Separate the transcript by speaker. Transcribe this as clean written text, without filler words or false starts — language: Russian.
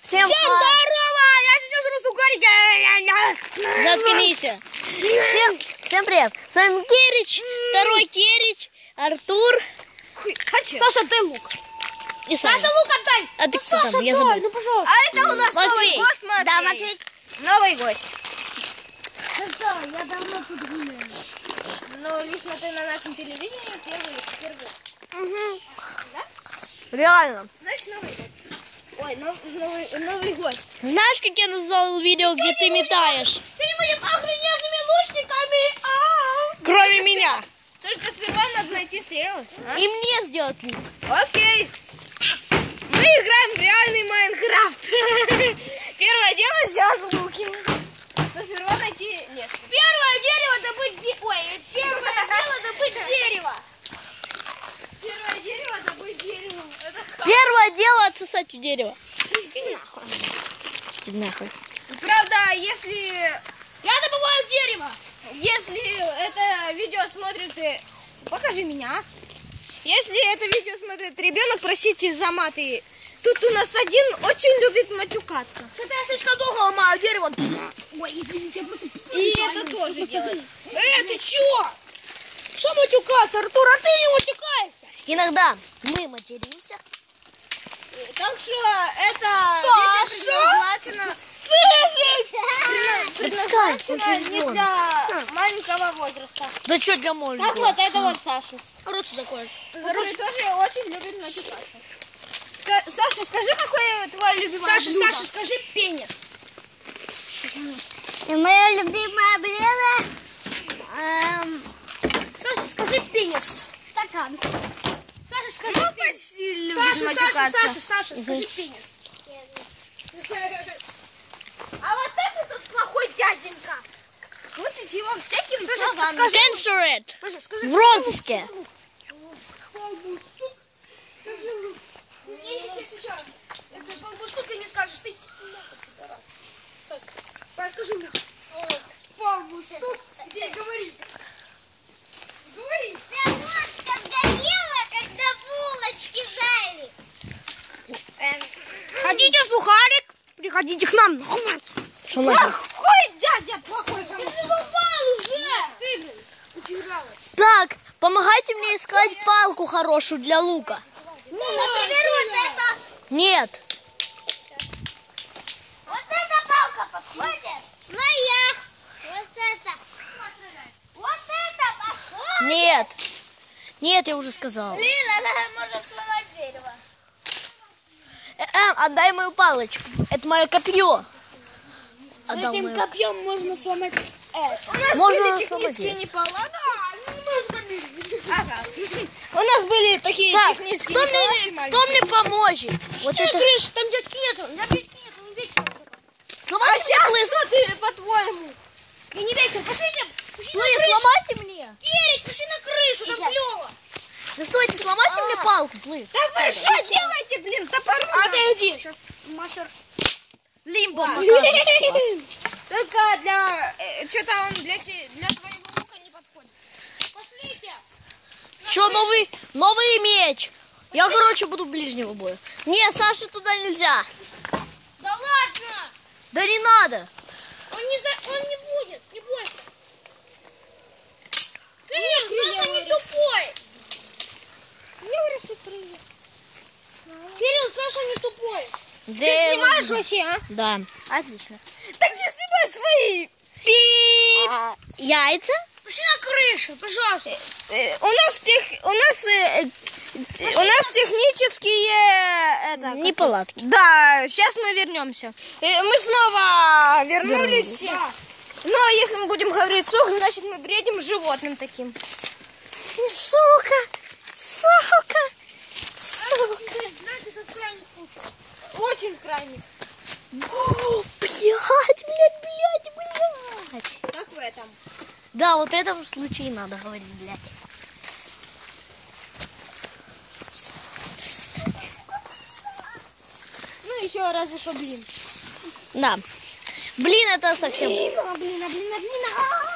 Speaker 1: Всем здорово! Я сейчас жру сухарики. Заткнись. Всем привет. С вами Керич, второй Керич, Артур.
Speaker 2: Саша, ты лук.
Speaker 1: И
Speaker 2: Саша, лук отдай.
Speaker 1: А ты кто
Speaker 2: Саша,
Speaker 1: там? Я забыл.
Speaker 2: Ну, пожалуйста.
Speaker 3: А это у нас
Speaker 1: Матвей.
Speaker 3: новый гость, Матвей.
Speaker 2: Да, Матвей.
Speaker 3: Новый гость.
Speaker 2: Да, я давно тут гуляю.
Speaker 3: Но лично ты на нашем телевидении первый.
Speaker 1: Угу.
Speaker 3: Да?
Speaker 1: Реально.
Speaker 3: Значит, новый гость. Ой, новый гость.
Speaker 1: Знаешь, как я назвал видео, где ты метаешь?
Speaker 2: Сегодня будем охрененными лучниками.
Speaker 1: Кроме меня.
Speaker 3: Только сперва надо найти стрелы. А?
Speaker 1: И мне сделать лук.
Speaker 3: Окей. Мы играем в реальный Майнкрафт. Первое дело сделать луки. Но сперва найти лес.
Speaker 2: Первое дерево добыть первое дело добыть дерево.
Speaker 3: Первое дерево добыть дерево.
Speaker 1: Первое дело отсосать у дерева. Нахуй.
Speaker 3: Правда, если
Speaker 2: Я добываю дерево.
Speaker 3: это видео смотрит... Покажи меня. Если это видео смотрит ребенок, просите за маты. Тут у нас один очень любит матюкаться.
Speaker 2: Что-то я слишком долго ломаю дерево. Ой, извините, я просто...
Speaker 3: И это тоже делать.
Speaker 2: Ты чё? Что матюкаться, Артур? А ты не матюкаешься.
Speaker 1: Иногда мы материмся.
Speaker 3: Так что это
Speaker 2: Саша!
Speaker 3: предназначено не для маленького возраста.
Speaker 1: Да что для
Speaker 3: Как
Speaker 1: маленького?
Speaker 3: вот это вот Саша,
Speaker 2: Рот сюда кладь.
Speaker 3: который тоже очень любит матюкаться. Саша, скажи, какое твое любимое блюдо?
Speaker 2: Саша, скажи пенис.
Speaker 3: Мое любимое блюдо?
Speaker 2: Саша, скажи пенис.
Speaker 3: Стакан.
Speaker 2: Саша, скажи пенис. Саша, скажи пенис.
Speaker 3: А вот это тут плохой дяденька. Крутит его всяким
Speaker 2: Саша,
Speaker 3: словами.
Speaker 2: скажи.
Speaker 1: Censor it.
Speaker 2: Саша, скажи.
Speaker 1: В розыске.
Speaker 2: Еще раз. Это полбушку ты не скажешь. Ты скажи мне. Полбушку. Где? Говори. Говори.
Speaker 3: Пятнышко горело, когда булочки жарили.
Speaker 2: Хотите сухарик? Приходите к нам.
Speaker 1: Что нахуй?
Speaker 3: Плохой дядя, плохой.
Speaker 2: Ты задолбал уже. Ты, блин, утирала.
Speaker 1: Так, помогайте мне искать палку хорошую для лука.
Speaker 3: Ну, например, вот это.
Speaker 1: Нет.
Speaker 3: Вот эта палка подходит? Моя. Вот это. Вот это подходит?
Speaker 1: Нет. Нет, я уже сказал.
Speaker 3: Блин, она может сломать дерево.
Speaker 1: Отдай мою палочку. Это мое копье. Отдал
Speaker 2: Этим
Speaker 1: мое.
Speaker 2: копьем можно сломать.
Speaker 3: У нас
Speaker 1: Можно
Speaker 3: были
Speaker 1: освободить.
Speaker 3: технические неполадки. Ага. У нас были такие
Speaker 1: Так,
Speaker 3: технические неполадки.
Speaker 1: кто мне поможет? Вот
Speaker 2: Ты,
Speaker 1: это.
Speaker 2: Гриш, там дядьки нету. Он вечер.
Speaker 1: Сломайте
Speaker 3: А
Speaker 1: мне
Speaker 3: сейчас
Speaker 1: плыс.
Speaker 3: что ты, по-твоему?
Speaker 2: И не вечер. Пошли на
Speaker 1: Плыс,
Speaker 2: крышу.
Speaker 1: сломайте мне.
Speaker 2: Ерич, пошли на крышу, там
Speaker 1: Сейчас.
Speaker 2: клево.
Speaker 1: Да стойте, сломайте мне палку, плыс.
Speaker 3: Да вы что делаете, блин, топором?
Speaker 2: Отойди. Сейчас мастер.
Speaker 1: Лимбо покажет.
Speaker 3: Только для... что-то он для твоего лука не подходит.
Speaker 2: Пошлите.
Speaker 1: Что, новый меч? Я, короче, буду ближнего боя. Не, Саше туда нельзя.
Speaker 2: Да ладно.
Speaker 1: Да не надо.
Speaker 2: Он не будет. Не бойся. Кирилл, Саша не тупой.
Speaker 3: Не говори, что привет.
Speaker 2: Кирилл, Саша не тупой.
Speaker 3: Ты снимаешь вообще, а?
Speaker 1: Да.
Speaker 3: Отлично. Так не снимай свои пип.
Speaker 1: Яйца?
Speaker 2: Пошли на крышу, пожалуйста.
Speaker 3: У нас технические
Speaker 1: Неполадки.
Speaker 3: Да, сейчас мы вернемся. Мы снова вернулись.
Speaker 2: Да.
Speaker 3: Но если мы будем говорить сухо, значит мы бредим животным таким.
Speaker 1: Сука!
Speaker 2: Знаете, как крайний случай.
Speaker 3: Очень крайне.
Speaker 1: Блять!
Speaker 3: Как в этом.
Speaker 1: Да, вот в этом случае надо говорить, блядь.
Speaker 3: Ну еще разве что блин.
Speaker 1: Да. Блин, это совсем...
Speaker 3: Блин.